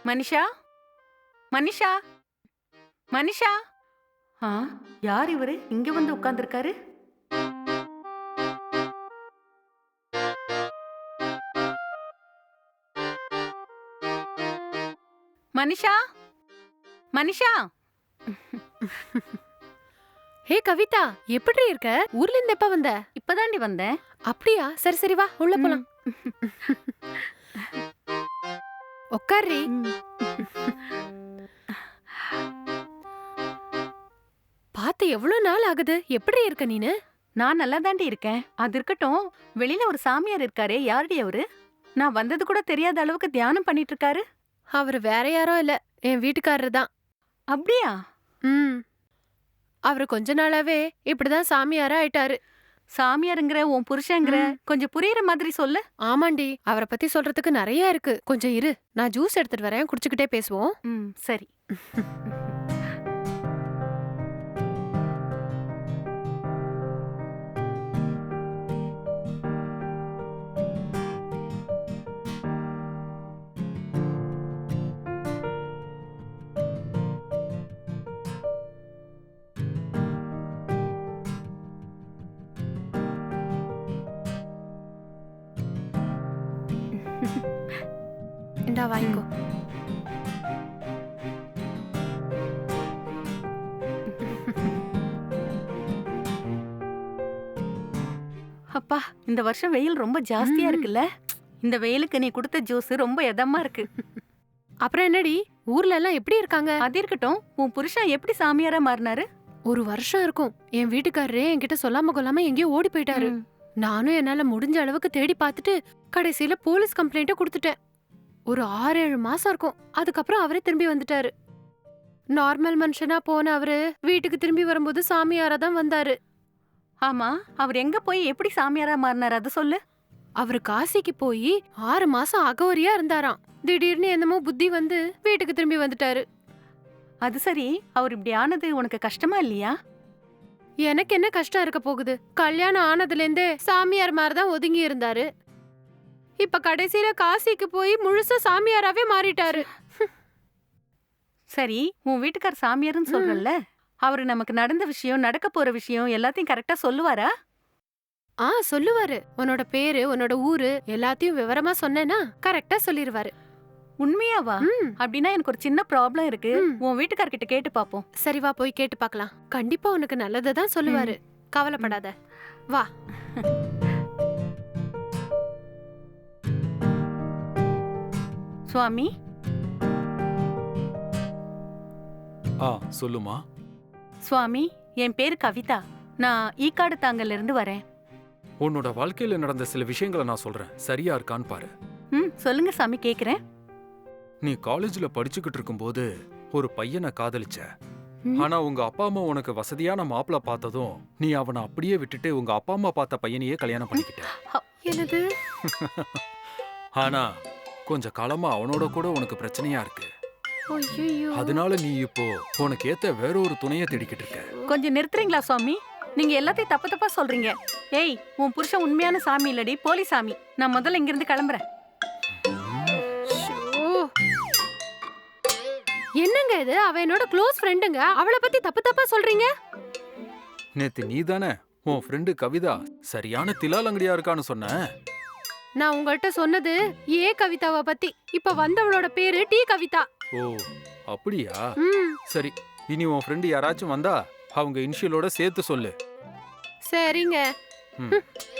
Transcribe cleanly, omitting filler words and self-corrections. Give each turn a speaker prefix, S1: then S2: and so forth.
S1: மனிஷா, மனிஷா, மனிஷா. ஆ, யார் இவரு இங்க வந்து உட்கார்ந்திருக்காரு? மனிஷா, மனிஷா.
S2: ஹே கவிதா, எப்படி இருக்க? ஊர்ல இருந்து எப்ப வந்த?
S1: இப்பதாண்டி வந்தேன்.
S2: அப்படியா? சரி சரி, வா உள்ள போலாம். உட்கார்றி. பாத்து எவ்வளவு நாள் ஆகுது? எப்படி இருக்க நீனு?
S1: நான் நல்லா தாண்டி இருக்கேன். அது இருக்கட்டும், வெளியில ஒரு சாமியார் இருக்காரே, யாருடி அவரு? நான் வந்தது கூட தெரியாத அளவுக்கு தியானம் பண்ணிட்டு இருக்காரு.
S2: அவரு வேற யாரோ இல்ல, என் வீட்டுக்காரரு தான்.
S1: அப்படியா?
S2: அவரு கொஞ்ச நாளாவே இப்படிதான் சாமியாரா ஆயிட்டாரு.
S1: சாமியாருங்கிற உன் புருஷங்கிற கொஞ்சம் புரியுற மாதிரி சொல்லு.
S2: ஆமாண்டி, அவரை பத்தி சொல்றதுக்கு நிறைய இருக்கு. கொஞ்சம் இரு, நான் ஜூஸ் எடுத்துட்டு வரேன், குடிச்சுக்கிட்டே பேசுவோம்.
S1: சரி.
S2: இந்தா வாங்கிக்கோ.
S1: அப்பா, இந்த வருஷம் வெயில் ரொம்ப ஜாஸ்தியா இருக்குல்ல? இந்த வெயிலுக்கு நீ கொடுத்த ஜூஸ் ரொம்ப இதமா இருக்கு.
S2: அப்புறம் என்னடி, ஊர்ல எல்லாம் எப்படி இருக்காங்க?
S1: அது இருக்கட்டும், உன் புருஷன் எப்படி சாமியாரா மாறினாரு?
S2: ஒரு வருஷம் இருக்கும். என் வீட்டுக்காரரே என்கிட்ட சொல்லாம கொள்ளாம எங்கேயோ ஓடி போயிட்டாரு. நானும் என்னால முடிஞ்ச அளவுக்கு தேடி பார்த்துட்டு கடைசியில போலீஸ் கம்ப்ளைண்ட்ட கொடுத்துட்டேன். ஒரு 6-7 மாசம் இருக்கும். அதுக்கப்புறம் அவரே திரும்பி வந்துட்டாரு. நார்மல் மனுஷனா போன அவரு வீட்டுக்கு திரும்பி வரும்போது சாமியாரா தான் வந்தாரு.
S1: ஆமா, அவர் எங்க போய் எப்படி சாமியாரா மாறினாரு அத சொல்லு.
S2: அவரு காசிக்கு போய் 6 மாசம் அகோரியா இருந்தாராம். திடீர்னு என்னமோ புத்தி வந்து வீட்டுக்கு திரும்பி வந்துட்டாரு.
S1: அது சரி, அவர் இப்படி ஆனது உனக்கு கஷ்டமா இல்லையா?
S2: எனக்கு என்ன கஷ்டம் இருக்க போகுது? கல்யாணம் ஆனதுல இருந்தே சாமியார் மாதிரிதான் ஒதுங்கி இருந்தாரு. இப்ப கடைசியில காசிக்கு போய் முழுசா சாமியாராவே மாறிட்டாரு.
S1: சரி, உன் வீட்டுக்கார் சாமியார்னு சொல்றல்ல, அவரு நமக்கு நடந்த விஷயம், நடக்க போற விஷயம் எல்லாத்தையும் கரெக்டா சொல்லுவாரா?
S2: சொல்லுவாரு. உன்னோட பேரு, உன்னோட ஊரு எல்லாத்தையும் விவரமா சொன்னேன்னா கரெக்டா சொல்லிருவாரு.
S1: உண்மையாவா? அப்படின்னா எனக்கு ஒரு சின்ன ப்ராப்ளம் இருக்கு. உன் வீட்டுக்காரர்கிட்ட கேட்டு பாப்போம்.
S2: சரி வா, போய் கேட்டு பார்க்கலாம். கண்டிப்பா உனக்கு நல்லதான் சொல்லுவாரு. கவலைப்படாத, வா.
S1: சுவாமி.
S3: சொல்லுமா.
S1: சுவாமி, என் பேரு கவிதா. நான் ஈக்காடு தாங்கல்ல இருந்து வரேன்.
S3: உன்னோட வாழ்க்கையில நடந்த சில விஷயங்களை நான் சொல்றேன், சரியா இருக்கான்னு பாரு.
S1: சொல்லுங்க சாமி, கேக்குறேன்.
S3: நீ காலேஜ்ல படிச்சுக்கிட்டு இருக்கும்போது ஒரு பையனை காதலிச்ச. ஆனா உங்க அப்பா அம்மா உனக்கு வசதியான மாப்பிள்ள பார்த்ததும் நீ அவனை அப்படியே விட்டுட்டு உங்க அப்பா அம்மா பார்த்த பையனையே கல்யாணம் பண்ணிக்கிட்ட.
S2: என்னது?
S3: ஆனா கொஞ்ச காலமா அவனோட கூட உனக்கு பிரச்சனையா இருக்கு.
S2: ஐயோ,
S3: அதனால நீ இப்போ உனக்கு ஏத்த வேற ஒரு துணையை தேடிக்கிட்டு இருக்க.
S1: கொஞ்சம் நிறுத்துறீங்களா சுவாமி? நீங்க எல்லாத்தையும் தப்பு தப்பா சொல்றீங்க. ஏய், உன் புருஷன் உண்மையான சாமி இல்லடி, போலி சாமி. நான் முதல்ல இங்கிருந்து கிளம்புறேன்.
S2: என்னங்க இது? அவ என்னோட க்ளோஸ் ஃப்ரெண்டுங்க. அவளை பத்தி தப்பு தப்பா சொல்றீங்க.
S3: நேத்து நீ தானே உன் ஃப்ரெண்டு கவிதா சரியான திலாலங்கடியா இருக்கான்னு சொன்ன.
S2: நான் உங்கள்கிட்ட சொன்னது ஏ கவிதாவை பத்தி. இப்ப வந்தவளோட பேரு டி கவிதா.
S3: ஓ, அப்படியா? சரி, இனி உன் ஃப்ரெண்டு யாராச்சும் வந்தா அவங்க இனிஷியலோட சேர்த்து சொல்லு.
S2: சரிங்க.